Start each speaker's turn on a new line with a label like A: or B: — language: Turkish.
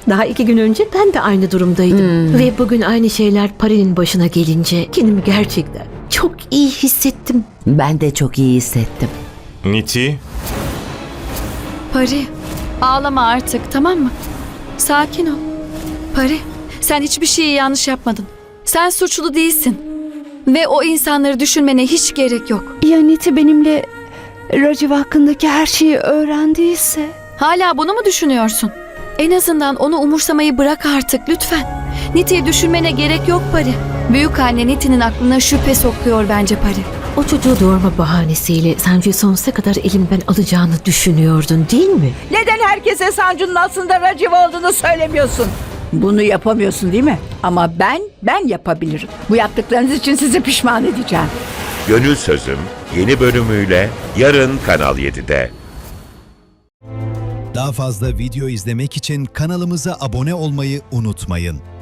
A: Daha 2 gün önce ben de aynı durumdaydım. Ve bugün aynı şeyler Pari'nin başına gelince kendimi gerçekten çok iyi hissettim.
B: Ben de çok iyi hissettim.
C: Niti,
D: Pari, ağlama artık, tamam mı? Sakin ol. Pari, sen hiçbir şeyi yanlış yapmadın. Sen suçlu değilsin. Ve o insanları düşünmene hiç gerek yok.
E: Ya Niti benimle Raciv hakkındaki her şeyi öğrendiyse?
D: Hala bunu mu düşünüyorsun? En azından onu umursamayı bırak artık lütfen. Niti'yi düşünmene gerek yok Pari. Büyük anne Niti'nin aklına şüphe sokuyor bence Pari.
A: O çocuğu doğurma bahanesiyle Sancu'yu sonsuza kadar elimden alacağını düşünüyordun değil mi?
F: Neden herkese Sancu'nun aslında Raciv olduğunu söylemiyorsun? Bunu yapamıyorsun değil mi? Ama ben yapabilirim. Bu yaptıklarınız için sizi pişman edeceğim.
G: Gönül Sözüm yeni bölümüyle yarın Kanal 7'de.
H: Daha fazla video izlemek için kanalımıza abone olmayı unutmayın.